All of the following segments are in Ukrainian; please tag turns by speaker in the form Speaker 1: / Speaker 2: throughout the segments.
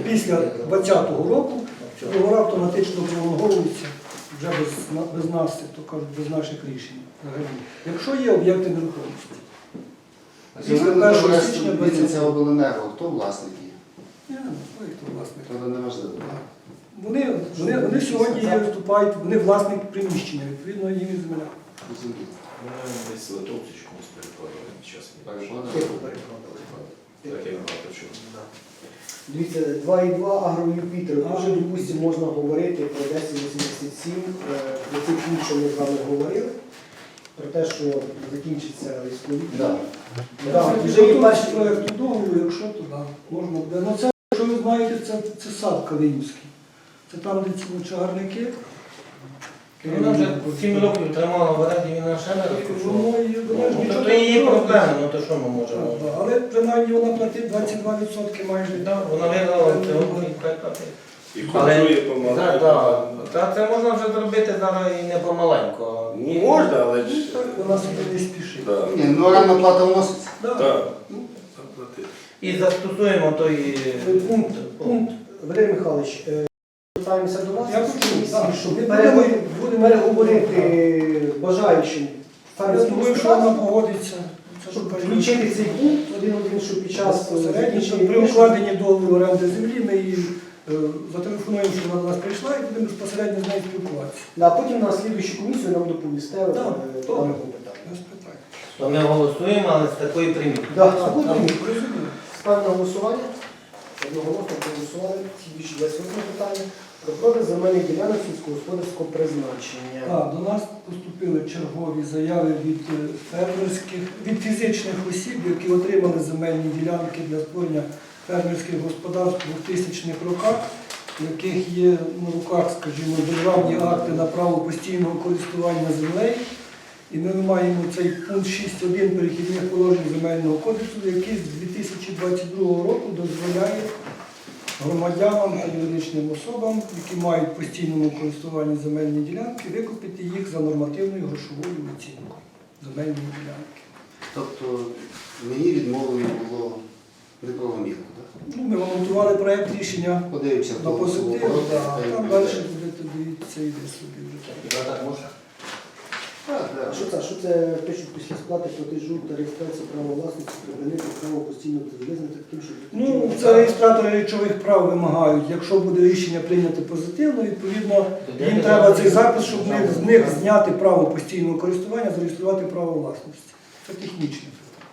Speaker 1: після 2020 року договори автоматично пролонговуються вже без нас, то кажуть, без наших рішень. Взагалі. Якщо є об'єкти нерухомості. Після 1 січня 2020
Speaker 2: Це обленерго, хто власник є?
Speaker 1: Я не знаю, хто власник.
Speaker 2: Це не важливо.
Speaker 1: Вони сьогодні виступають, вони власник приміщення, відповідно їм і земля.
Speaker 3: Десь Литовці чомусь перекладали зараз.
Speaker 4: Дивіться, 2,2 Агро-Юпітер. Вже, допустимо, можна говорити про 1087, про цей пункт, що ми з вами говорили, про те, що закінчиться військові.
Speaker 1: Вже є перший проєкт договору, якщо то можна буде. Ну це, що ви знаєте, це сад Калинівський. Це там, де ці чагарники.
Speaker 5: Вона вже 7 років тримала в оренді, він ще не розкручував. То її проблеми, ну то що ми можемо?
Speaker 1: Але принаймні вона платить 22% майже.
Speaker 5: Вона виграла і хай платить.
Speaker 3: І контролює помаленьку.
Speaker 5: Та це можна вже зробити зараз і не помаленько.
Speaker 3: Можна, але ж...
Speaker 1: Вона собі не спішить.
Speaker 2: Ні, ну орендна плата вноситься.
Speaker 3: Так.
Speaker 5: І застосуємо той пункт.
Speaker 4: Валерій Михайлович, звертаємося до вас,
Speaker 1: Я хочу,
Speaker 4: щоб
Speaker 1: ми
Speaker 4: будемо переговорити бажаючим
Speaker 1: Я
Speaker 4: фермерським
Speaker 1: думаю, що вона
Speaker 4: господарствам,
Speaker 1: погодиться.
Speaker 4: щоб включити цей пункт один, щоб під час закінчення
Speaker 1: При укладенні договору оренди землі ми її зателефонуємо, що вона до нас прийшла і будемо безпосередньо з нею спілкуватися.
Speaker 4: А потім на слідуючу комісію нам доповісте
Speaker 1: Так,
Speaker 4: даного питання.
Speaker 1: Без питань.
Speaker 5: То ми голосуємо, але з такої приміти.
Speaker 4: Ставимо на голосування. Одноголосно проголосували. Більше 28 питання. Про продаж земельних ділянок сільськогосподарського призначення.
Speaker 1: До нас поступили чергові заяви від фізичних осіб, які отримали земельні ділянки для створення фермерських господарств у 2000-х роках, в яких є на руках, скажімо, державні акти на право постійного користування землею. І ми маємо цей пункт 6.1 перехідних положень Земельного кодексу, який з 2022 року дозволяє громадянам та юридичним особам, які мають в постійному користуванні земельні ділянки, викупити їх за нормативною грошовою оцінкою земельної ділянки.
Speaker 2: Тобто мені відмовлено було неправомірно, так?
Speaker 1: Ми монтували проєкт рішення
Speaker 2: Подивимося,
Speaker 1: на позитив, там далі будете дивитися, йде собі вже так.
Speaker 4: Що це пишуть після сплати платежу та реєстрації права власності припинити право постійно визнати таким, що...
Speaker 1: Це реєстратори речових прав вимагають. Якщо буде рішення прийняти позитивно, відповідно, їм треба цей запис, щоб з них зняти право постійного користування, зареєструвати право власності. Це технічне.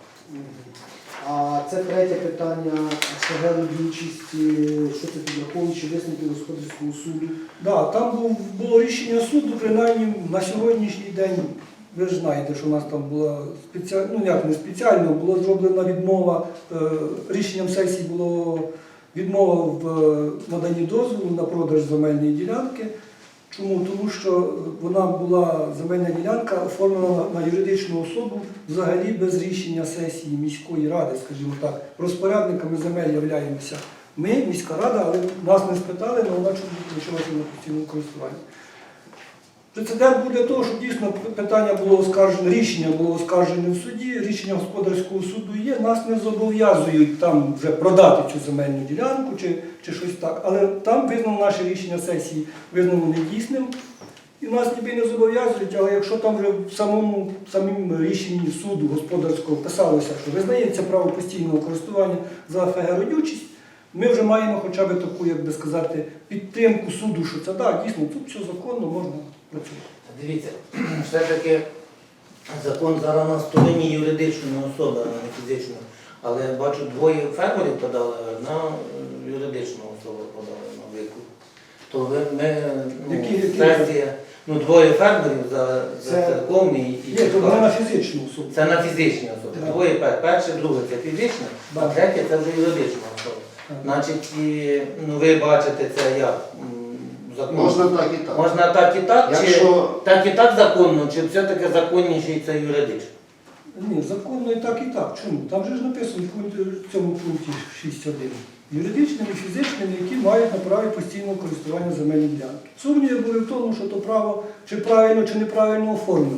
Speaker 4: А це третє питання, СГ діючості, що це підраховуючи висновки господарського суду.
Speaker 1: Там було рішення суду, принаймні на сьогоднішній день, ви ж знаєте, що у нас там була спеціально, була зроблена відмова, рішенням сесії було відмова в наданні дозволу на продаж земельної ділянки. Чому? Тому що вона була, земельна ділянка, оформлена на юридичну особу взагалі без рішення сесії міської ради, скажімо так. Розпорядниками земель являємося ми, міська рада, але нас не спитали, але вона почалася на постійному користуванні. Прецедент буде того, що дійсно питання було оскаржене, рішення було оскаржене в суді, рішення господарського суду є, нас не зобов'язують там вже продати цю земельну ділянку чи щось так, але там визнано наше рішення сесії, визнано недійсним, і нас ніби не зобов'язують, але якщо там вже в самому рішенні суду господарського писалося, що визнається право постійного користування за ФГ родючість, ми вже маємо хоча б таку, як би сказати, підтримку суду, що це так, дійсно, тут все законно, можна працювати.
Speaker 5: Дивіться, все-таки закон зараз на стороні юридичної особи, а не фізичної. Але бачу, двоє фермерів подали, одна юридична особа подала на викуп. То сесія, двоє фермерів за церковний і
Speaker 1: Є, то не на фізичну особу.
Speaker 5: Це на фізичні особи. Двоє, перше, друге це фізична, а третє це вже юридична особа. Значить, ви бачите це як закон.
Speaker 2: Можна так і так.
Speaker 5: Можна так і так,
Speaker 2: Якщо...
Speaker 5: чи так і так законно, чи все-таки законніший це юридично?
Speaker 1: Ні, законно і так, і так. Чому? Там же ж написано в цьому пункті 6.1. Юридичними і фізичними, які мають на праві постійного користування земельної ділянки. Сумніви були в тому, що то право чи правильно, чи неправильно оформлено.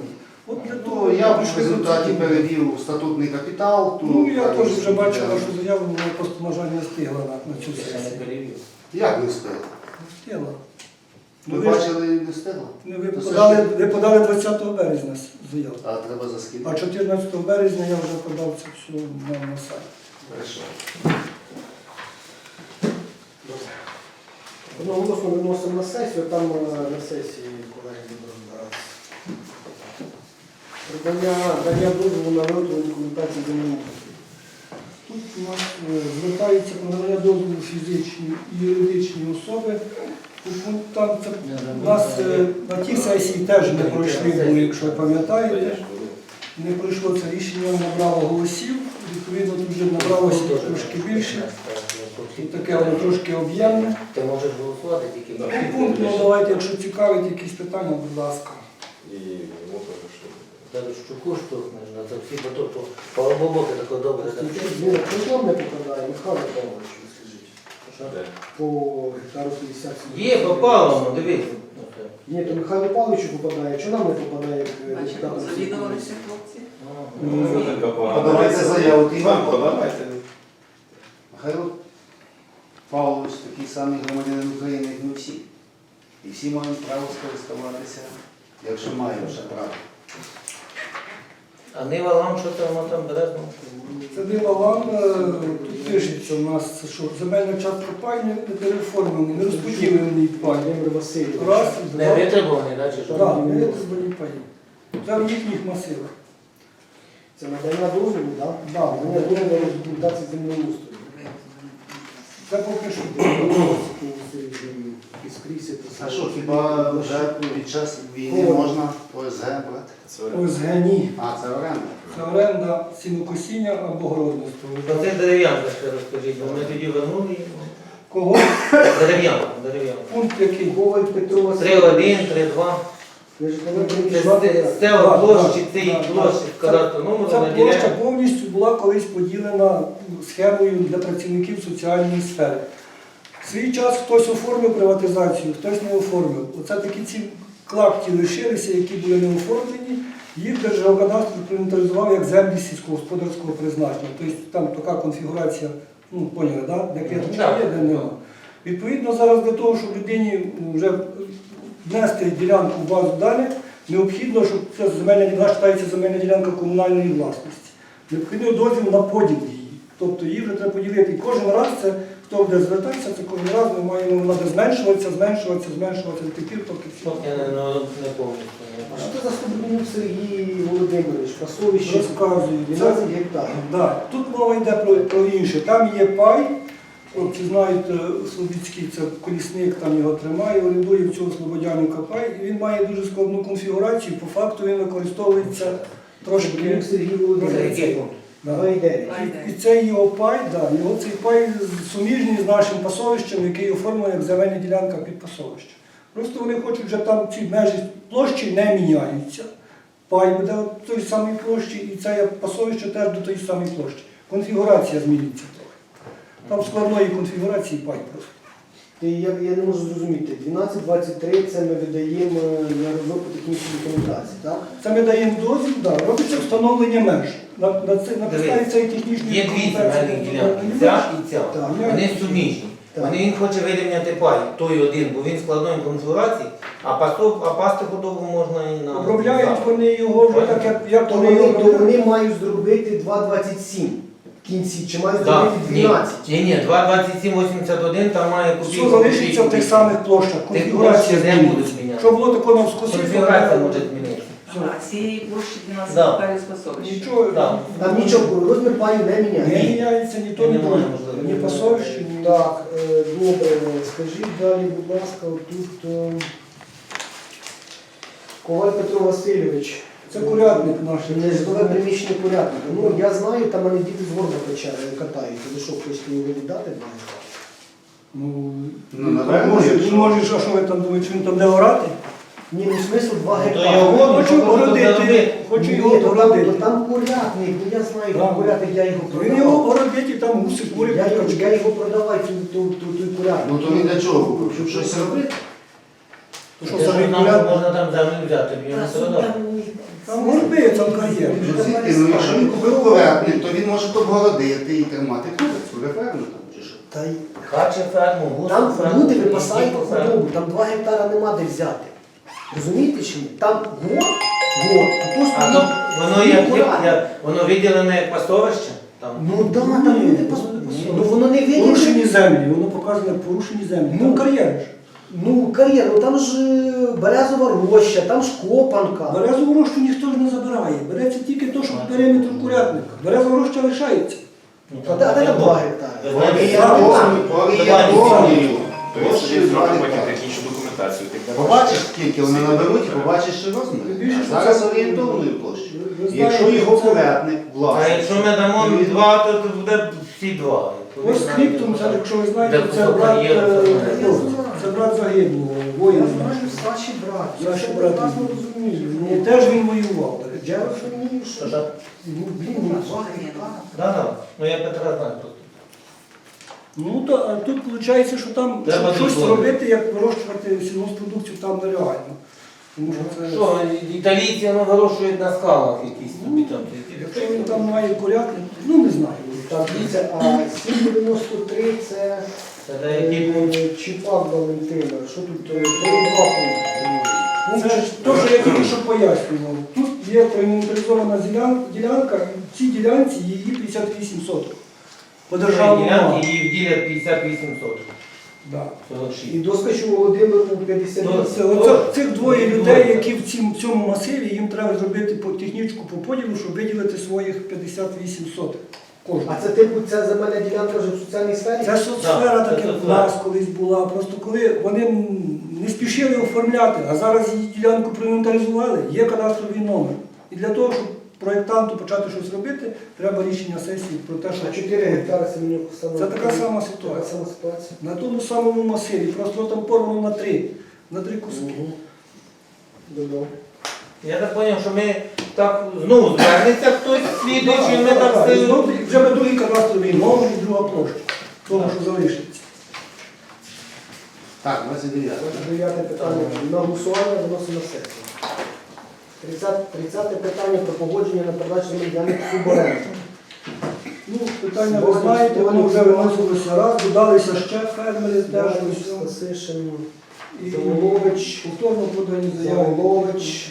Speaker 1: От для того
Speaker 2: Ну, я в
Speaker 1: пішли до
Speaker 2: результаті
Speaker 1: цього.
Speaker 2: перевів статутний капітал.
Speaker 1: Ну, я
Speaker 2: там,
Speaker 1: теж вже бачив
Speaker 2: да.
Speaker 1: вашу заяву, вона просто, на жаль, не встигла на цю
Speaker 5: Я не
Speaker 1: сесію.
Speaker 5: перевів.
Speaker 2: Як не встиг?
Speaker 1: Не встигла.
Speaker 2: Ви
Speaker 1: Ну, ви ж-
Speaker 2: бачили, не встигло?
Speaker 1: ви
Speaker 2: То
Speaker 1: ви подали 20 березня заяву.
Speaker 2: А треба за скільки?
Speaker 1: А 14 березня я вже подав це все на сайт.
Speaker 2: Хорошо.
Speaker 4: Одноголосно виносимо на сесію, там на сесії колеги будуть розбиратися. Дання дозволу на виготовлення документації землеустрою.
Speaker 1: Тут у нас звертаються про надання дозволу фізичні і юридичні особи. Там це у нас на тій сесії теж не пройшли, були, якщо ви пам'ятаєте. Не пройшло це рішення, набрало голосів, відповідно тут вже набралося трошки більше. І таке воно трошки об'ємне.
Speaker 5: Ти можеш голосувати тільки
Speaker 1: Ну, пункт, ну давайте, якщо цікавить якісь питання, будь ласка.
Speaker 3: І йому теж що.
Speaker 5: Даже щуку штовхнеш, на це всі бо то полобобоки таке добре.
Speaker 4: Він причому не попадає, Михайло Павлович, ви скажіть.
Speaker 3: Де?
Speaker 4: По гектару 50.
Speaker 5: Є, попало, ну дивись.
Speaker 4: Ні, то Михайло Павловичу попадає, чи нам не попадає, як
Speaker 6: Бачимо, завідувалися хлопці.
Speaker 3: Ну, це така погана.
Speaker 2: Подавайте заяву, ти
Speaker 3: Вам подавайте.
Speaker 2: Михайло Павлович такий самий громадянин України, як ми всі. І всі мають право скористуватися, якщо маємо ще право.
Speaker 5: А Нива Лам, що там, воно там березно?
Speaker 1: Це дива вам, тут пишеться у нас, що земельна частка пай не переформлений, не розподілений пай.
Speaker 4: Володимир Васильович.
Speaker 1: Раз,
Speaker 5: Не
Speaker 1: два,
Speaker 5: витребуваний, да, чи що?
Speaker 1: так, не розподілені паї. Це в їхніх масивах.
Speaker 4: Це надання дозволу, так?
Speaker 1: Да,
Speaker 4: Надання дозволу на документації землеустрою.
Speaker 1: Це поки що.
Speaker 4: І скрізь це
Speaker 2: А що, хіба вже під час війни можна ОСГ брати?
Speaker 3: Це
Speaker 1: ОСГ ні.
Speaker 2: А, це оренда.
Speaker 1: Це оренда сінокосіння або городництво.
Speaker 5: Оце дерев'янка ще розкажіть, бо ми тоді вернули її.
Speaker 1: Кого?
Speaker 5: Дерев'янка.
Speaker 1: Пункт який?
Speaker 4: Коваль Петро Васильович.
Speaker 5: 3-1, 3-2.
Speaker 4: Це
Speaker 5: З цього площі,
Speaker 1: так,
Speaker 5: цієї
Speaker 1: так.
Speaker 5: площі, з кадастру
Speaker 1: Ця
Speaker 5: номеру
Speaker 1: площа
Speaker 5: наділяє.
Speaker 1: повністю була колись поділена схемою для працівників соціальної сфери. В свій час хтось оформив приватизацію, хтось не оформив. Оце такі ці клапті лишилися, які були не оформлені. Їх Держгеокадастр проінвентаризував як землі сільськогосподарського призначення. Тобто там така конфігурація, ну, поняли, да? Де клеточка є, де нема. Відповідно, зараз для того, щоб людині вже внести ділянку в базу даних, необхідно, щоб ця земельна ділянка вважається земельна ділянка комунальної власності. Необхідно дозвіл на поділ її. Тобто її вже треба поділити. І кожен раз це, хто буде звертатися, це кожен раз ми маємо, вона буде зменшуватися до тих пір, поки всі.
Speaker 5: Я не повністю.
Speaker 4: А що це за Стебнюк Сергій Володимирович? Пасовище
Speaker 1: Розказую.
Speaker 4: 12 гектарів.
Speaker 1: Да. Тут мова йде про інше. Там є пай, хлопці знають, Слобідський, це колісник, там його тримає, орендує в цього Слободяника пай, і він має дуже складну конфігурацію, по факту він використовується трошки.
Speaker 4: Стебнюк Сергій
Speaker 5: Це
Speaker 4: Володимирович.
Speaker 5: який пункт?
Speaker 1: Да.
Speaker 4: 2,9.
Speaker 1: І цей його пай, да, його цей пай суміжний з нашим пасовищем, який оформлений як земельна ділянка під пасовище. Просто вони хочуть, вже там ці межі площі не міняються. Пай буде в той самій площі, і це пасовище теж до тої самої площі. Конфігурація зміниться трохи. Там складної конфігурації пай просто.
Speaker 4: Я не можу зрозуміти. 12,23 це ми видаємо на розробку технічної документації, так?
Speaker 1: Це ми даємо дозвіл, да, робиться встановлення меж. На підставі цієї технічної
Speaker 5: Є дві земельні ділянки,
Speaker 1: документації.
Speaker 5: ця і ця.
Speaker 1: Так.
Speaker 5: Вони суміжні.
Speaker 4: Так.
Speaker 5: Він хоче вирівняти пай, той один, бо він складної конфігурації, а пасти худобу можна і на...
Speaker 1: Обробляють вони його вже так, як
Speaker 4: То
Speaker 1: вони його
Speaker 4: вони,
Speaker 1: обробляють.
Speaker 4: вони мають зробити 2,27 в кінці, чи мають
Speaker 5: Да,
Speaker 4: зробити 12?
Speaker 5: ні, 2,2781, там має
Speaker 1: Все
Speaker 5: копійку.
Speaker 1: залишиться в тих самих площах. Конфігурація
Speaker 5: площі не будуть
Speaker 1: зміниться.
Speaker 5: міняти.
Speaker 1: Що було такого навскоси,
Speaker 5: Конфігурація може змінитися.
Speaker 6: Ага, з цієї площі 12
Speaker 5: Да.
Speaker 6: гектарів спасовища.
Speaker 1: нічого
Speaker 5: Да.
Speaker 4: Там нічого, розмір паю не
Speaker 1: не
Speaker 4: міняє.
Speaker 1: міняється, ні то, ні
Speaker 5: Немає
Speaker 1: то.
Speaker 5: можливості.
Speaker 1: Ні пасовище, ні.
Speaker 4: Так, добре, скажіть далі, будь ласка, тут Коваль Петро Васильович.
Speaker 1: Це курятник наш.
Speaker 4: Нежитлове приміщення порядника. Ну, я знаю, там мене діти з горба катають. Ви що, хочете його віддати?
Speaker 1: Ну,
Speaker 2: напевно,
Speaker 1: може,
Speaker 2: якщо-
Speaker 1: він може, а що ви там думаєте, що він там не орати?
Speaker 4: Ні, ну смисл 2
Speaker 5: То
Speaker 4: гектари.
Speaker 5: його
Speaker 1: Хочу
Speaker 5: ну,
Speaker 1: огородити,
Speaker 5: заробити.
Speaker 1: хочу
Speaker 4: Ні,
Speaker 1: його
Speaker 4: то
Speaker 1: огородити.
Speaker 4: там курятник, ну я знаю,
Speaker 1: Да.
Speaker 4: там курятник, я його
Speaker 1: Він його
Speaker 4: продавав.
Speaker 1: огородить і там гуси, кури,
Speaker 4: Я
Speaker 1: качки.
Speaker 4: його продавав, той курятник.
Speaker 2: Ну то він для чого купив? Щоб щось робити?
Speaker 1: То що,
Speaker 5: Те,
Speaker 1: самий
Speaker 5: нам
Speaker 1: курятник?
Speaker 5: можна там землю взяти, б його не
Speaker 6: Та,
Speaker 5: продав.
Speaker 6: там
Speaker 1: Там горби, там кар'єр.
Speaker 2: Ну, звідки? Ну, якщо він купив курятник, то він може обгородити і тримати курицю. Реферно там чи що?
Speaker 4: Та й
Speaker 5: Хаче ферму, гусу
Speaker 4: там
Speaker 5: ферму.
Speaker 4: люди випасають
Speaker 5: дійку ферму.
Speaker 4: худобу, там 2 гектара нема де взяти. Розумієте чи ні? Там гор, а то
Speaker 5: А
Speaker 4: стоїть
Speaker 5: то воно як,
Speaker 4: курятник.
Speaker 5: воно виділене як пастовище? Там.
Speaker 4: Ну так, там люди ну воно не
Speaker 1: Порушені
Speaker 4: виділи.
Speaker 1: землі, воно показує порушені землі.
Speaker 4: Ну,
Speaker 1: Там кар'єр ж.
Speaker 4: Ну кар'єр, ну там ж березова роща, там ж копанка.
Speaker 1: Березову рощу ніхто ж не забирає. Береться тільки то, що по периметру курятника. Березова роща лишається.
Speaker 5: Ну,
Speaker 4: А де там 2 гектари?
Speaker 2: Орієнтовною.
Speaker 3: То есть
Speaker 2: Площею
Speaker 3: собі
Speaker 2: 2
Speaker 3: зробимо
Speaker 2: гектари.
Speaker 3: технічну документацію. Ти
Speaker 2: Побачиш, скільки вони наберуть, і побачиш, що розмір.
Speaker 1: Більше,
Speaker 2: А зараз
Speaker 1: що це-
Speaker 2: орієнтовною площею.
Speaker 1: Ви знаєте,
Speaker 2: Якщо його
Speaker 1: що це-
Speaker 2: курятник
Speaker 5: А
Speaker 2: власний.
Speaker 5: якщо ми дамо
Speaker 2: він-
Speaker 5: 2, то буде всі 2.
Speaker 1: Ось скриптум, це, якщо ви знаєте,
Speaker 5: Де
Speaker 1: це
Speaker 5: кусок
Speaker 1: брат,
Speaker 5: кар'єру, це
Speaker 1: ну, це брат загиблого, воїн.
Speaker 4: Саші брат, я
Speaker 1: Саші
Speaker 4: ще
Speaker 1: брат.
Speaker 4: прекрасно розумію.
Speaker 1: Ну, теж він воював. до речі.
Speaker 4: Я розумію, що
Speaker 5: Та-та.
Speaker 4: ну, блін, ну 2 гектара.
Speaker 5: Да. Ну я Петра знаю просто.
Speaker 1: Ну, то, а тут виходить, що там
Speaker 5: Треба
Speaker 1: щось
Speaker 5: дозволити.
Speaker 1: робити, як вирощувати сільгоспродукцію там нереально. Тому що це,
Speaker 5: Що, італійці ну, вирощують на скалах якісь тобі там.
Speaker 1: якщо він там має курятник, ну не знаю.
Speaker 4: Так, дивіться, а 793 це
Speaker 5: Це деякі пункти.
Speaker 4: Чіпак Валентина. Що тут 3,2 пункти?
Speaker 1: Це ж те, що я тільки що пояснював. Тут є проінвентаризована ділянка, і в цій ділянці її 58 соток. По державному
Speaker 5: Ділянки
Speaker 1: мапі.
Speaker 5: її вділять 58 соток.
Speaker 1: Да.
Speaker 5: 46.
Speaker 4: І доскочу Володимиру 58.
Speaker 1: Це, оце, цих двоє людей, які в цьому масиві, їм треба зробити технічку по поділу, щоб виділити своїх 58 соток. Кожен.
Speaker 4: А це типу ця земельна ділянка вже в соціальній сфері?
Speaker 1: Це соцсфера,
Speaker 5: Так,
Speaker 1: так
Speaker 5: це
Speaker 1: як в
Speaker 5: соцсфера.
Speaker 1: нас колись була. Просто коли вони не спішили оформляти, а зараз її ділянку проінвентаризували, є кадастровий номер. І для того, щоб проєктанту почати щось робити, треба рішення сесії про те,
Speaker 4: А
Speaker 1: що
Speaker 4: 4 гектари Семенюк саме.
Speaker 1: Це така сама
Speaker 4: Така
Speaker 1: ситуація.
Speaker 4: сама ситуація.
Speaker 1: На тому самому масиві, просто там порвано на три куски.
Speaker 4: Добре.
Speaker 5: Я так зрозумів, що ми так знову звернеться хтось слідуючий, ми так
Speaker 1: І
Speaker 5: все.
Speaker 1: знову вже на другий кадастровий номер і друга площа, тому що залишиться.
Speaker 2: Так, 29.
Speaker 4: 9 питання. На голосування виносимо на сесію. 30 питання про погодження на передачу земельних суборенду.
Speaker 1: Ну, питання ви знаєте, воно вже виносилося раз, додалися ще фермери теж.
Speaker 4: Стасишин,
Speaker 1: І
Speaker 4: Заволович,
Speaker 1: повторно подані заяви.
Speaker 4: Заволович,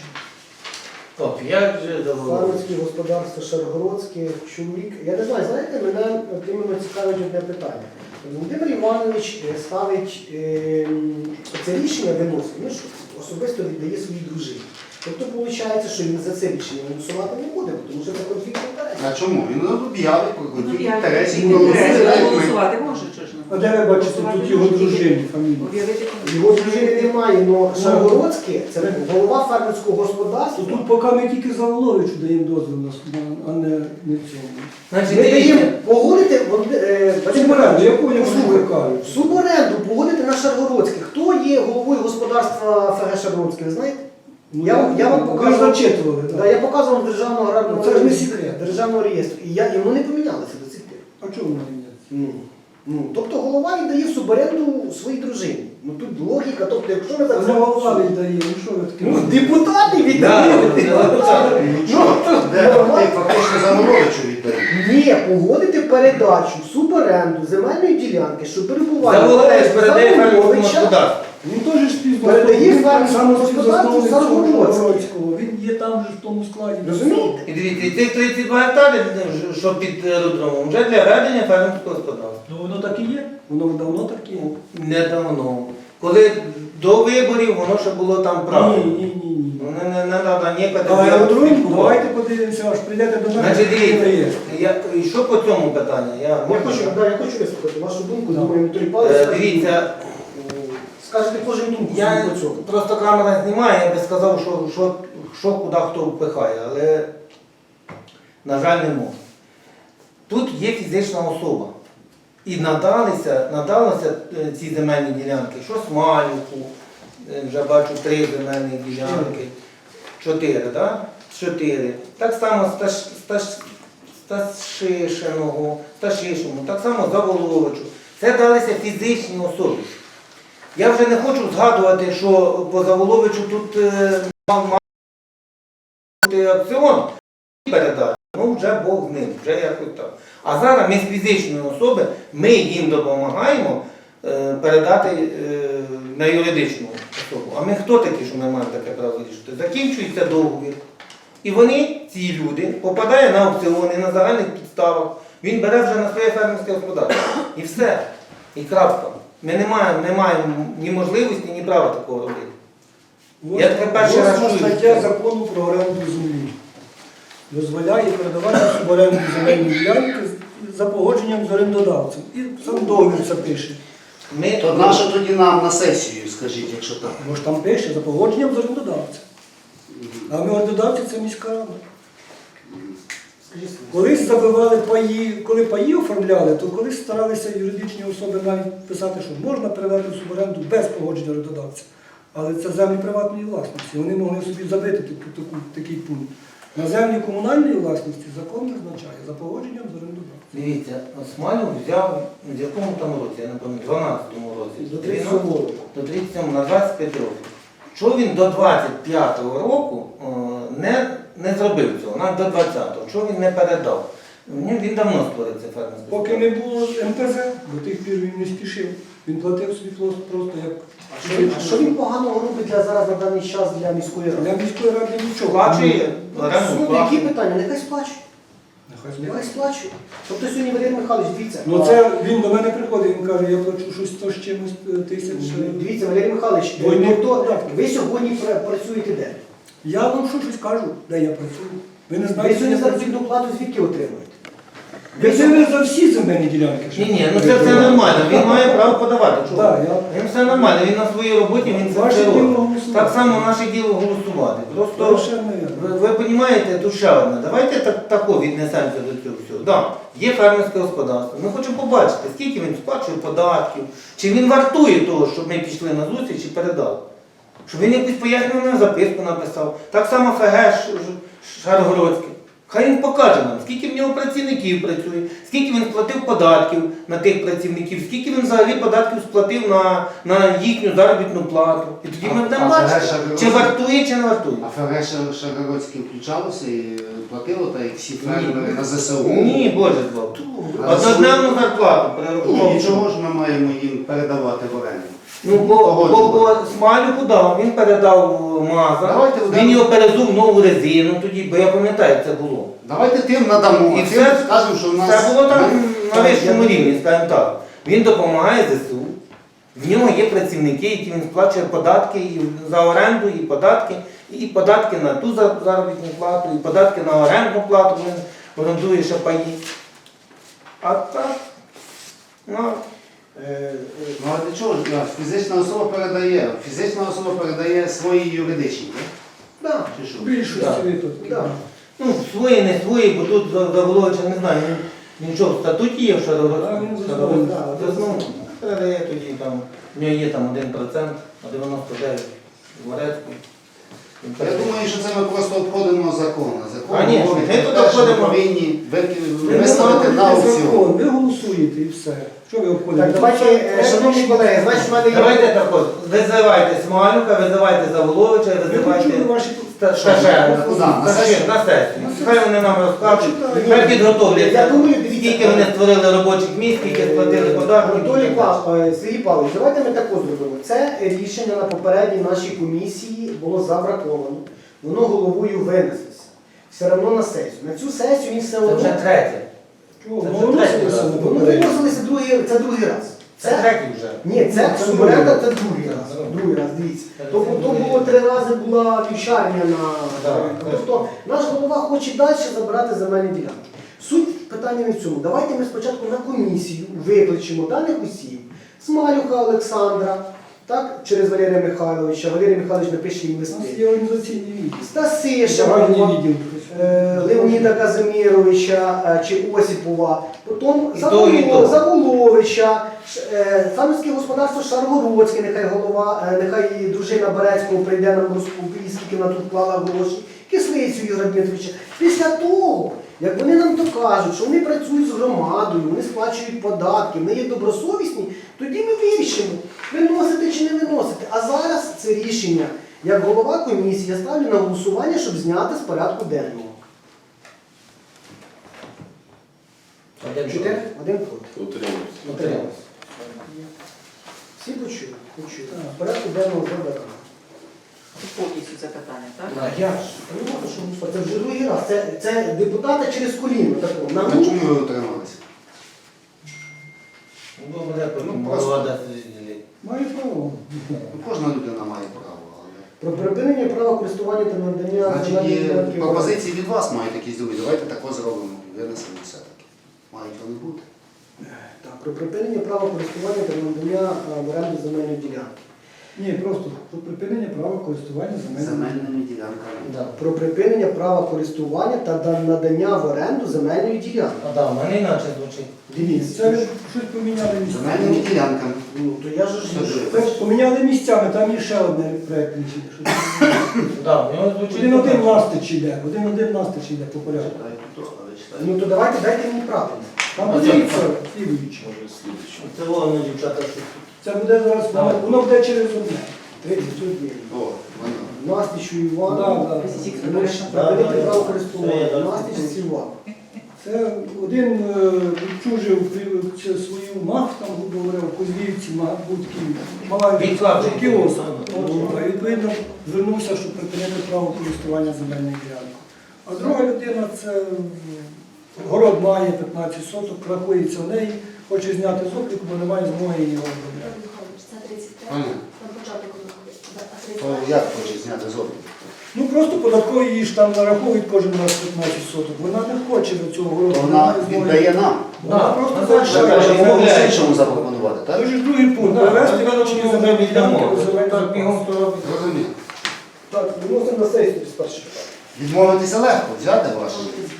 Speaker 5: Оп'ять же заволок.
Speaker 4: фермерське господарство Шаргородське, чоловік. Я не знаю, знаєте, мене от іменно цікавить одне питання. Володимир Іванович ставить це рішення виносить, ну, що особисто віддає своїй дружині. Тобто виходить, що він за це рішення голосувати не буде, тому що це конфлікт інтересів.
Speaker 2: А чому? Він об'явить про конфлікт інтересів.
Speaker 6: Він
Speaker 2: проголосує.
Speaker 6: голосувати може, чи ж
Speaker 1: А де ви бачите тут його дружині фамілію?
Speaker 6: Об'явити
Speaker 4: Його дружини немає, але Шаргородське це голова фермерського господарства.
Speaker 1: Тут поки ми тільки Заволовичу даємо дозвіл, а не цьому.
Speaker 5: Значить,
Speaker 4: Ми даємо
Speaker 5: дивіться,
Speaker 4: погодити
Speaker 1: Суборенду, яку я кажу?
Speaker 4: суборенду погодити на Шаргородське. Хто є головою господарства ФГ Шаргородське, ви знаєте? Я вам
Speaker 1: Ви
Speaker 4: покажу.
Speaker 1: ж зачитували,
Speaker 4: Да,
Speaker 1: так?
Speaker 4: я показував державного аграрного
Speaker 1: Це ж не секрет.
Speaker 4: державного реєстру. І воно не помінялося до цих пір.
Speaker 1: А чому вони не?
Speaker 4: Тобто голова віддає в суборенду своїй дружині. Ну тут логіка, тобто якщо ми
Speaker 1: А
Speaker 4: так
Speaker 1: не голова віддає, ну що ви таке?
Speaker 4: Ну, депутати
Speaker 5: Да,
Speaker 4: віддають.
Speaker 5: депутати.
Speaker 2: Нічого, де ти фактично Замоловичу віддає.
Speaker 4: Ні, погодити передачу в суборенду земельної ділянки, що перебуває
Speaker 5: Заволович передає фермерському
Speaker 4: Заволовича.
Speaker 5: господарству.
Speaker 1: Він теж
Speaker 4: Передає
Speaker 1: співзасновник,
Speaker 4: фермерському
Speaker 1: саме
Speaker 4: господарству
Speaker 1: співзасновник цього
Speaker 4: Шаргородського.
Speaker 1: Шаргородського. Він є там же в тому складі.
Speaker 4: Розумієте?
Speaker 5: І дивіться, і цих 32 гектарів, що під аеродромом, вже для ведення фермерського господарства.
Speaker 1: Ну воно так і є. Воно давно так і є.
Speaker 5: Недавно. Коли до виборів воно ще було там право.
Speaker 1: Ні.
Speaker 5: Не треба ні
Speaker 1: А
Speaker 5: категорії.
Speaker 1: аеродром, давайте подивимося, аж прийдете до нас.
Speaker 5: Значить, дивіться,
Speaker 1: реєстр.
Speaker 5: і що по цьому питанню?
Speaker 4: Я хочу вислухати вашу думку,
Speaker 1: Да.
Speaker 4: думаю, Анатолій Павлович.
Speaker 5: Дивіться,
Speaker 4: Скажете кожен думку
Speaker 5: я
Speaker 4: свою по цьому.
Speaker 5: просто камера знімає, я би сказав, що куди хто впихає, але, на жаль, не можу. Тут є фізична особа. І надалися ці земельні ділянки, що Смалюку, вже бачу 3 земельні ділянки, 4, так? 4. Так само Сташишину, так само Заволовичу. Це далися фізичні особи. Я вже не хочу згадувати, що по Заволовичу тут мав бути аукціон передати, ну вже Бог з ним, вже якось так. А зараз ми з фізичної особи, ми їм допомагаємо передати на юридичну особу. А ми хто такі, що ми маємо таке право вирішити? Закінчується договір. І вони, ці люди, попадають на аукціони, на загальних підставах. Він бере вже на своє фермерське господарство. І все. І крапка. Ми не маємо ні можливості, ні права такого робити. Я таке перший раз чую.
Speaker 1: Стаття закону про оренду землі дозволяє передавати в оренду земельні ділянки за погодженням з орендодавцем. І сам договір це пише.
Speaker 2: То нащо тоді нам на сесію, скажіть, якщо так?
Speaker 1: Бо ж там пише за погодженням з орендодавцем. А ми орендодавці це міська рада. Колись забивали паї, коли паї оформляли, то колись старалися юридичні особи навіть писати, що можна передати в суборенду без погодження орендодавця. Але це землі приватної власності. Вони могли собі забити такий пункт. На землі комунальної власності закон не означає за погодженням з орендодавцем.
Speaker 5: Дивіться, Смалю взяв в якому там році, я не пам'ятаю, в 12-му році.
Speaker 4: До 37-го року.
Speaker 5: До 37-го, на 25 років. Що він до 25-го року не зробив цього, навіть до 20-го, що він не передав? Він давно створив це фермерське.
Speaker 1: Поки не було МТЗ, до тих пір він не спішив. Він платив собі просто як...
Speaker 4: А що він поганого робить зараз на даний час для міської ради?
Speaker 1: Для міської ради нічого.
Speaker 5: Сплачує
Speaker 4: Ну,
Speaker 5: оренду
Speaker 4: які
Speaker 5: плату.
Speaker 4: питання? Нехай сплачує. Нехай сплачує. Тобто сьогодні Валерій Михайлович, дивіться.
Speaker 1: Ну це він до мене приходить, він каже, я плачу щось 100 з чимось тисяч.
Speaker 4: Дивіться, Валерій Михайлович,
Speaker 1: Двойні
Speaker 4: тобто
Speaker 1: податки.
Speaker 4: ви сьогодні працюєте де?
Speaker 1: Я вам щось кажу, де я працюю. Ви не
Speaker 4: Ви
Speaker 1: знаєте,
Speaker 4: сьогодні
Speaker 1: де я
Speaker 4: заробітну плату звідки отримуєте?
Speaker 1: Ви живе за всі земельні ділянки.
Speaker 5: Ні, ну це все нормально, він має право подавати. Чого?
Speaker 1: Так,
Speaker 5: Він все нормально, він на своїй роботі, він це
Speaker 1: Ваше
Speaker 5: все
Speaker 1: діло
Speaker 5: робить.
Speaker 1: голосувати.
Speaker 5: Так само наше діло голосувати. Просто
Speaker 1: Совершенно вірно.
Speaker 5: ви розумієте, тут ще одне. Давайте тако віднесемося до цього всього. Да, є фермерське господарство. Ми хочемо побачити, скільки він сплачує податків, чи він вартує того, щоб ми пішли на зустріч і передали. Щоб він якусь пояснювальну записку написав. Так само ФГ Шаргородське. Хай він покаже нам, скільки в нього працівників працює, скільки він сплатив податків на тих працівників, скільки він взагалі податків сплатив на їхню заробітну плату. І тоді ми будемо бачити, чи вартує, чи не вартує.
Speaker 2: А ФГ Шаргородське включалося і платило, так як всі фермери на ЗСУ?
Speaker 5: Ні, Боже збав.
Speaker 2: А
Speaker 5: Однодневну зарплату
Speaker 2: Ну,
Speaker 5: перерахував.
Speaker 2: і чого ж ми маємо їм передавати в оренду?
Speaker 5: Ну, бо Смалюку дав, він передав Маза,
Speaker 2: Давайте
Speaker 5: він
Speaker 2: вдамо.
Speaker 5: його перезув нову резину тоді, бо я пам'ятаю, як це було.
Speaker 2: Давайте тим надамо,
Speaker 5: І
Speaker 2: а
Speaker 5: все,
Speaker 2: тим скажемо, що в нас...
Speaker 5: Це було там на
Speaker 2: Так,
Speaker 5: вищому
Speaker 2: я-
Speaker 5: рівні, скажімо так. Він допомагає ЗСУ, в нього є працівники, які він сплачує податки і за оренду, і податки на ту заробітну плату, і податки на орендну плату, він орендує ще паї. А так, ну,
Speaker 2: Ну а для чого ж фізична особа передає свої юридичні, так?
Speaker 4: Так.
Speaker 2: Чи що?
Speaker 1: В більшості
Speaker 5: Так.
Speaker 1: випадків.
Speaker 4: Да.
Speaker 5: ну, свої, не свої, бо тут Заволовича, не знаю, він що, в статуті є в
Speaker 1: Так, він засновник,
Speaker 5: Засновник. Передає тоді там, в нього є там 1%, а 99 в Орецьку. Він
Speaker 2: Я
Speaker 5: передає.
Speaker 2: думаю, що це ми просто обходимо закон. Закон
Speaker 5: Конечно,
Speaker 2: говорить
Speaker 5: ми
Speaker 2: про
Speaker 5: тут
Speaker 2: те, що ми
Speaker 5: обходимо.
Speaker 2: повинні
Speaker 1: Ви
Speaker 2: виставити на
Speaker 1: виконуєте
Speaker 2: аукціон.
Speaker 1: закон, ви голосуєте і все. Що ви обходите?
Speaker 4: Так, давайте, шановні колеги, значить, в мене є...
Speaker 5: Давайте так от, визивайте Смалюка, визивайте Заволовича,
Speaker 1: Ви
Speaker 5: визивайте
Speaker 1: почули ваші
Speaker 5: Стажера
Speaker 2: Куди? На сесію?
Speaker 5: на сесію. Хай вони нам розкажуть,
Speaker 1: Почитаю.
Speaker 5: хай підготовляться,
Speaker 4: Я думаю, дивіться,
Speaker 5: скільки вони створили робочих місць, скільки сплатили податків.
Speaker 4: Анатолій Сергій Павлович, давайте ми тако зробимо. Це рішення на попередній нашій комісії було забраковано. Воно головою винеслося. Все одно на сесію. На цю сесію він все
Speaker 5: Це вже
Speaker 4: одно...
Speaker 5: третє.
Speaker 1: Чого?
Speaker 5: Це
Speaker 1: Ну,
Speaker 5: вже
Speaker 1: воно
Speaker 5: третій
Speaker 1: виносилося
Speaker 5: раз.
Speaker 1: на
Speaker 4: Воно
Speaker 1: попередньо.
Speaker 4: виносилося це другий раз.
Speaker 5: Це третій вже.
Speaker 4: Ні, це
Speaker 1: Це
Speaker 4: суборенда,
Speaker 1: другий
Speaker 4: це другий раз.
Speaker 5: Да.
Speaker 4: Другий раз, дивіться.
Speaker 5: Це
Speaker 4: Тобто то
Speaker 5: другий
Speaker 4: було
Speaker 5: раз.
Speaker 4: 3 рази була вівчарня на
Speaker 5: Да.
Speaker 4: Тобто наш голова хоче далі забирати земельні ділянки. Суть питання не в цьому. Давайте ми спочатку на комісію викличемо даних осіб. Смалюка Олександра, так, через Валерія Михайловича. Валерій Михайлович напише їм
Speaker 1: У нас
Speaker 4: листи.
Speaker 1: є організаційні відділ.
Speaker 4: Стасиша,
Speaker 1: Загальний відділ.
Speaker 4: Леоніда Казимировича чи Осіпова, потім
Speaker 5: І того, і того.
Speaker 4: Заволовича, фермерське господарство Шаргородське, нехай голова, нехай і дружина Берецького прийде нам розповість, скільки вона тут вклала гроші, Кислицю Ігоря Дмитровича. Після того, як вони нам докажуть, що вони працюють з громадою, вони сплачують податки, вони є добросовісні, тоді ми вирішимо, виносити чи не виносити. А зараз це рішення Як голова комісії я ставлю на голосування, щоб зняти з порядку денного. 4? 1 проти.
Speaker 3: Утримуюсь.
Speaker 5: Утримався.
Speaker 4: Всі почули? Почули. В порядку денного забирали.
Speaker 6: Повністю це питання, так?
Speaker 4: А як ж? Понятно, що це вже другий раз. Це депутати через коліно. такого. На
Speaker 2: А
Speaker 4: ну,
Speaker 2: чому ви утрималися?
Speaker 5: Ну, мене потім
Speaker 2: Ну,
Speaker 5: голова
Speaker 2: просто.
Speaker 5: дасть розділити.
Speaker 1: Має право.
Speaker 2: Ну, кожна людина має право, але...
Speaker 4: про припинення права користування та надання
Speaker 2: Значить,
Speaker 4: земельних
Speaker 2: є
Speaker 4: ділянків.
Speaker 2: пропозиції від вас мають якісь другі. Давайте тако зробимо. Винесемо все-таки. Мають вони бути.
Speaker 4: Так, про припинення права користування та надання в оренду земельної ділянки.
Speaker 1: Ні, просто про припинення права користування земельними.
Speaker 2: Земельними ділянками.
Speaker 5: Да.
Speaker 4: Про припинення права користування та надання в оренду земельної ділянки.
Speaker 5: А да, в мене іначе звучить.
Speaker 4: Дивіться.
Speaker 1: Це ви щось поміняли місцями.
Speaker 2: Земельними ділянками.
Speaker 4: Ну, то я ж
Speaker 2: Що ж?
Speaker 1: Це поміняли місцями, там є ще одне проєкт рішення.
Speaker 5: Да, в нього звучить.
Speaker 1: Один-один настич йде, один-один настич йде по порядку.
Speaker 2: Читайте то, але читайте.
Speaker 4: Ну то давайте дайте мені правильно.
Speaker 1: Там
Speaker 5: А
Speaker 1: подивіться,
Speaker 5: це-
Speaker 1: слідуючи.
Speaker 3: Може, слідчий.
Speaker 5: Це воно, дівчата, що
Speaker 1: Це буде зараз,
Speaker 5: Давай.
Speaker 1: воно буде через одне.
Speaker 4: 31.
Speaker 2: О, воно.
Speaker 4: Настічу Іван.
Speaker 1: Да, да.
Speaker 4: Припинити право користування.
Speaker 5: Да, да.
Speaker 4: Настіч Іван.
Speaker 1: Це один відчужив свою мах, там, грубо говоря, в Кузлівці, будки, мала
Speaker 5: Відкладний
Speaker 1: кіоск.
Speaker 5: кіоск.
Speaker 1: А відповідно звернувся, щоб припинити право користування земельною ділянкою. А друга людина, це город має 15 соток, рахується в неї, хоче зняти з обліку, бо немає змоги його обробляти.
Speaker 7: Це 35,
Speaker 2: Понятно.
Speaker 7: на початку виходить.
Speaker 2: То як хоче зняти з обліку?
Speaker 1: Ну просто податкові її ж там нараховують кожен раз 15 соток. Вона не хоче до цього городу.
Speaker 2: То вона
Speaker 1: немає змоги.
Speaker 2: віддає нам.
Speaker 1: Вона
Speaker 5: Да,
Speaker 1: просто
Speaker 5: вона
Speaker 1: залишає.
Speaker 5: залишає.
Speaker 2: Каже,
Speaker 5: Відмовляє.
Speaker 2: можемо іншому запропонувати, так?
Speaker 1: Це ж другий пункт.
Speaker 5: Да,
Speaker 1: Привести
Speaker 5: так,
Speaker 1: вилучені
Speaker 5: ну,
Speaker 1: земельні
Speaker 5: віддамо.
Speaker 1: ділянки у земельний
Speaker 5: Так, бігом
Speaker 1: запас.
Speaker 5: то робить.
Speaker 2: Зрозуміло.
Speaker 4: Так, виносимо на сесію з першого питання.
Speaker 2: Відмовитися легко, взяти ваше.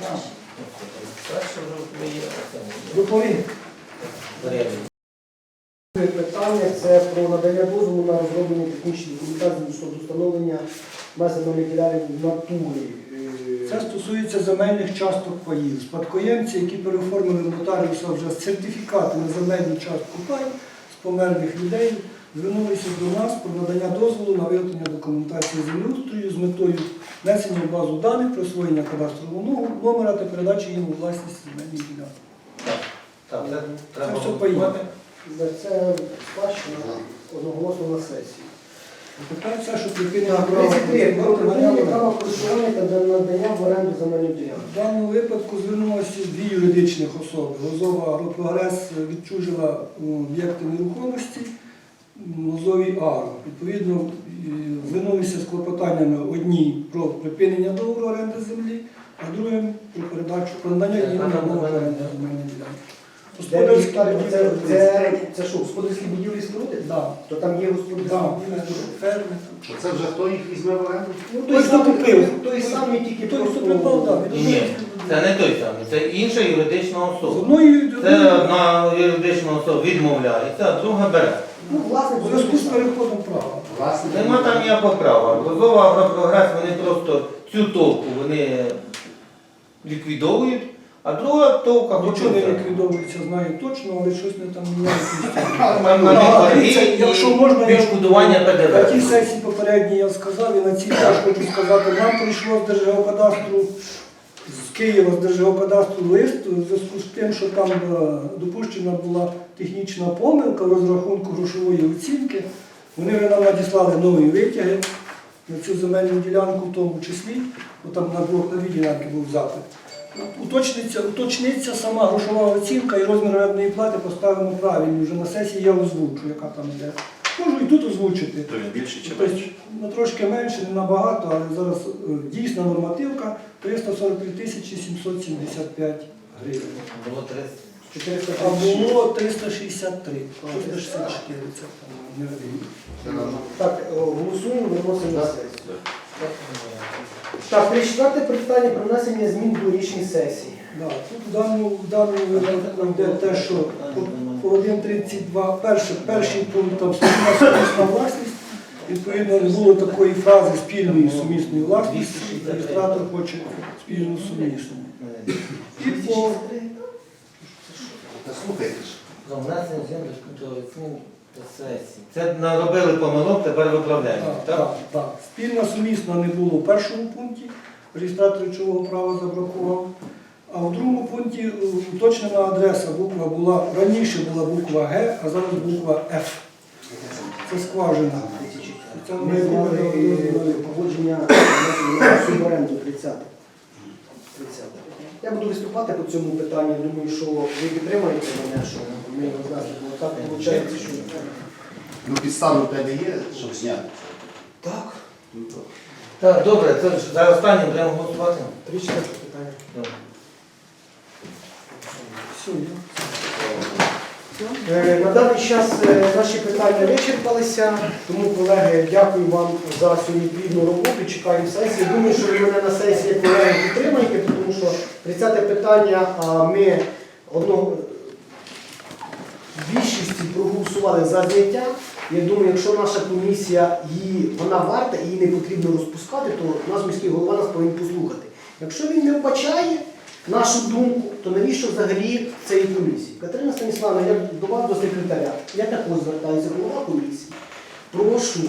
Speaker 5: Перше вже є, а це не
Speaker 1: Доповім.
Speaker 5: є.
Speaker 4: Друге питання це про надання дозволу на розроблення технічної документації щодо встановлення земельних ділянок в натурі.
Speaker 1: Це стосується земельних часток паїв. Спадкоємці, які переоформили в нотаріуса вже сертифікати на земельну частку паю з померлих людей, звернулися до нас про надання дозволу на виготовлення документації землеустрою з метою внесення в базу даних, присвоєння кадастрового номера та передачі їм у власність земельних ділянок.
Speaker 5: Так, це треба
Speaker 1: все
Speaker 5: голосувати.
Speaker 1: поїде.
Speaker 4: Це спадщина одноголосно на сесії.
Speaker 1: Тепер це, що припинення
Speaker 4: Так,
Speaker 1: права
Speaker 4: 33. Про припинення
Speaker 1: користування.
Speaker 4: права користування та надання в оренду земельних ділянок.
Speaker 1: В даному випадку звернулося дві юридичних особи. Лозова «Агропрогрес» відчужила об'єкти нерухомості Лозовій «Агро». Відповідно, звернулися з клопотаннями одні про припинення договору оренди землі, а другим про передачу, про надання їм на мову оренди земельної ділянки. Господарські будівлі.
Speaker 4: Це що, господарські будівлі споруди?
Speaker 1: Да.
Speaker 4: То там є господарські
Speaker 1: Да,
Speaker 4: будівлі.
Speaker 1: ферми.
Speaker 2: Що це вже хто їх візьме в оренду?
Speaker 4: Ну,
Speaker 1: Той, хто купив.
Speaker 4: той самий тільки
Speaker 1: Той, хто
Speaker 4: просто-
Speaker 1: придбав, так.
Speaker 5: Ні, це не той самий, це інша юридична
Speaker 1: З
Speaker 5: особа.
Speaker 1: одної
Speaker 5: Це одна юридична особа відмовляється, а друга бере.
Speaker 4: Ну, власне,
Speaker 1: у зв'язку з переходом права.
Speaker 2: Власне,
Speaker 5: Нема там ніякого права. Лозова «Агропрогрес» вони просто цю товку вони ліквідовують, а друга товка
Speaker 1: Нічого не
Speaker 5: хоче.
Speaker 1: ліквідовується, знаю точно, але щось не там міняється. Якщо можна, я
Speaker 5: відшкодування
Speaker 1: на тій
Speaker 5: ПДВ.
Speaker 1: сесії попередній я сказав, і на цій теж хочу сказати, нам прийшло з Держгеокадастру, з Києва, з Держгеокадастру лист у зв'язку з тим, що там допущена була технічна помилка в розрахунку грошової оцінки. Вони вже нам надіслали нові витяги на цю земельну ділянку, в тому числі, бо там на дві ділянки був запит. Уточниться сама грошова оцінка і розмір орендної плати поставимо правильно. Вже на сесії я озвучу, яка там йде. Можу і тут озвучити.
Speaker 3: То він більший чи
Speaker 1: Тобто,
Speaker 3: менший?
Speaker 1: трошки менше, не набагато, але зараз дійсна нормативка 343 775 гривень.
Speaker 5: Було 30.
Speaker 4: 400
Speaker 1: А було 363, 364, це там не гривень.
Speaker 2: Це нормально.
Speaker 4: Так, голосуємо, виносимо на сесію. Так, 34 питання про внесення змін до рішень сесії.
Speaker 1: Да, тут в даному випадку йде те, що по 1.32, перший пункт там спільна сумісна власність. Відповідно, не було такої фрази спільної сумісної власності. Реєстратор хоче спільну сумісну. І по
Speaker 2: Та слухайте ж.
Speaker 5: За внесення змін до Сесії. Це наробили помилок, тепер виправляємо, так?
Speaker 1: Так. Спільно сумісно не було в першому пункті, реєстратор речового права забракував. А в другому пункті уточнена адреса, буква була, раніше була буква Г, а зараз буква Ф. Це скважина. Це
Speaker 4: Ми
Speaker 1: ми
Speaker 4: зняли
Speaker 1: зробили.
Speaker 4: погодження суборенду 30. Я буду виступати по цьому питанню. Думаю, що ви підтримаєте мене, що ми його знайдемо. Так виходить, що
Speaker 2: Ну, підстави в тебе є, щоб зняти?
Speaker 4: так.
Speaker 2: Ну, то.
Speaker 5: Так, добре, це ж за останнім будемо голосувати.
Speaker 4: 3-4 питання.
Speaker 5: Добре.
Speaker 1: Все, є.
Speaker 4: На даний час наші питання вичерпалися, тому, колеги, дякую вам за сьогодні плідну роботу, чекаємо сесії. Думаю, що ви мене на сесії, колеги, підтримаєте, тому що 30 питання ми в більшості проголосували за зняття. Я думаю, якщо наша комісія вона варта і її не потрібно розпускати, то наш міський голова нас повинен послухати. Якщо він не вбачає нашу думку, то навіщо взагалі цієї комісії? Катерина Станіславівна, я до вас, до секретаря, я також звертаюся, голова комісії. Прошу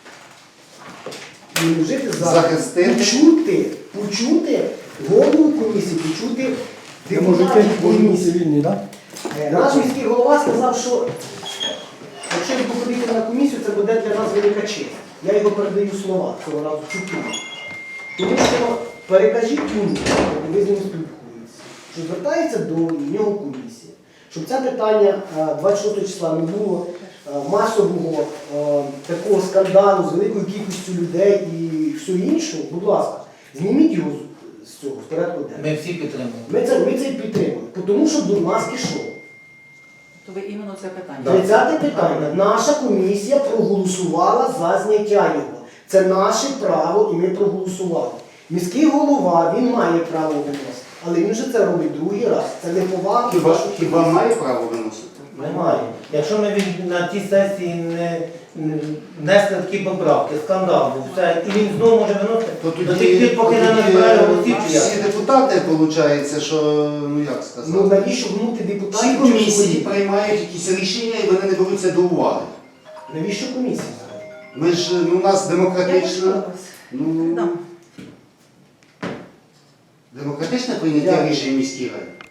Speaker 4: не вжити
Speaker 2: Захистити.
Speaker 4: почути голову комісії, почути
Speaker 1: Ви можете
Speaker 4: депутатів комісії.
Speaker 1: вільні, так?
Speaker 4: Наш міський голова сказав, що якщо він походити на комісію, це буде для нас велика честь. Я його передаю слова цього разу чутку. Тому що перекажіть йому, ви з ним спілкуєтеся, що звертається до нього комісія, щоб це питання 26 числа не було масового такого скандалу з великою кількістю людей і все інше. Будь ласка, зніміть його з цього, з порядку денного.
Speaker 5: Ми всі підтримуємо.
Speaker 4: Ми це підтримуємо, тому що до нас пішов.
Speaker 6: То ви іменно це питання.
Speaker 4: 30 питання. Наша комісія проголосувала за зняття його. Це наше право і ми проголосували. Міський голова, він має право виносити, але він же це робить другий раз. Це не повага.
Speaker 2: Хіба має право виносити?
Speaker 5: Немає. Якщо ми на тій сесії не внесли такі поправки, скандал був, все, і він знову може виносити,
Speaker 2: То
Speaker 5: до тих пір, поки не назбирає голосів, чи як?
Speaker 2: всі депутати, виходить, що, ну як
Speaker 4: Ну
Speaker 2: сказати,
Speaker 4: навіщо гнути
Speaker 2: всі
Speaker 4: депутатів?
Speaker 2: комісії приймають якісь рішення і вони не беруться до уваги.
Speaker 4: Навіщо комісія?
Speaker 2: Ми ж, ну, у нас демократична,
Speaker 6: Дам.
Speaker 2: демократичне прийняття
Speaker 4: Дякую.
Speaker 2: рішень в міській раді.